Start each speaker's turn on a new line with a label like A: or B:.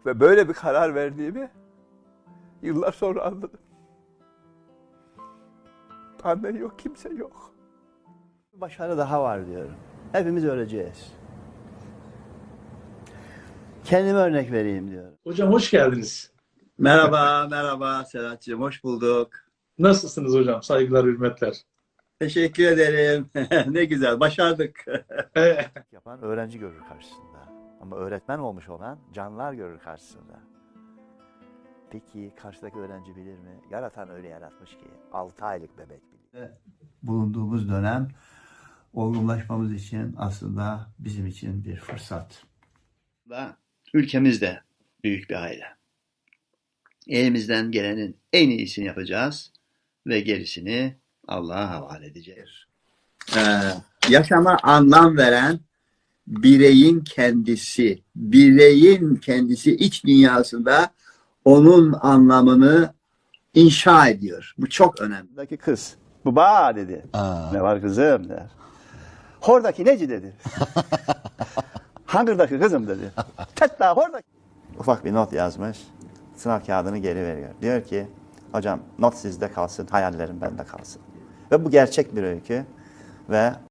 A: Ve böyle bir karar verdiğimi yıllar sonra anladım. Annen yok, kimse yok.
B: Başarı daha var diyorum. Hepimiz öleceğiz. Kendime örnek vereyim diyorum.
C: Hocam hoş geldiniz.
D: Merhaba, merhaba Serhat'cığım. Hoş bulduk.
C: Nasılsınız hocam? Saygılar, hürmetler.
D: Teşekkür ederim. Ne güzel, başardık.
B: Yapan öğrenci görür karşısında. Ama öğretmen olmuş olan canlar görür karşısında. Peki karşıdaki öğrenci bilir mi? Yaratan öyle yaratmış ki 6 aylık bebek bilir. Bulunduğumuz dönem olgunlaşmamız için aslında bizim için bir fırsat.
E: Ülkemiz de büyük bir aile. Elimizden gelenin en iyisini yapacağız ve gerisini Allah'a havale edeceğiz.
D: Yaşama anlam veren bireyin kendisi. Bireyin kendisi iç dünyasında onun anlamını inşa ediyor. Bu çok önemli.
B: Oradaki kız, baba dedi. Ne var kızım der. Hordaki neci dedi. Hangırdaki kızım dedi. Tetta hordaki. Ufak bir not yazmış. Sınav kağıdını geri veriyor. Diyor ki hocam not sizde kalsın, hayallerim bende kalsın. Ve bu gerçek bir öykü ve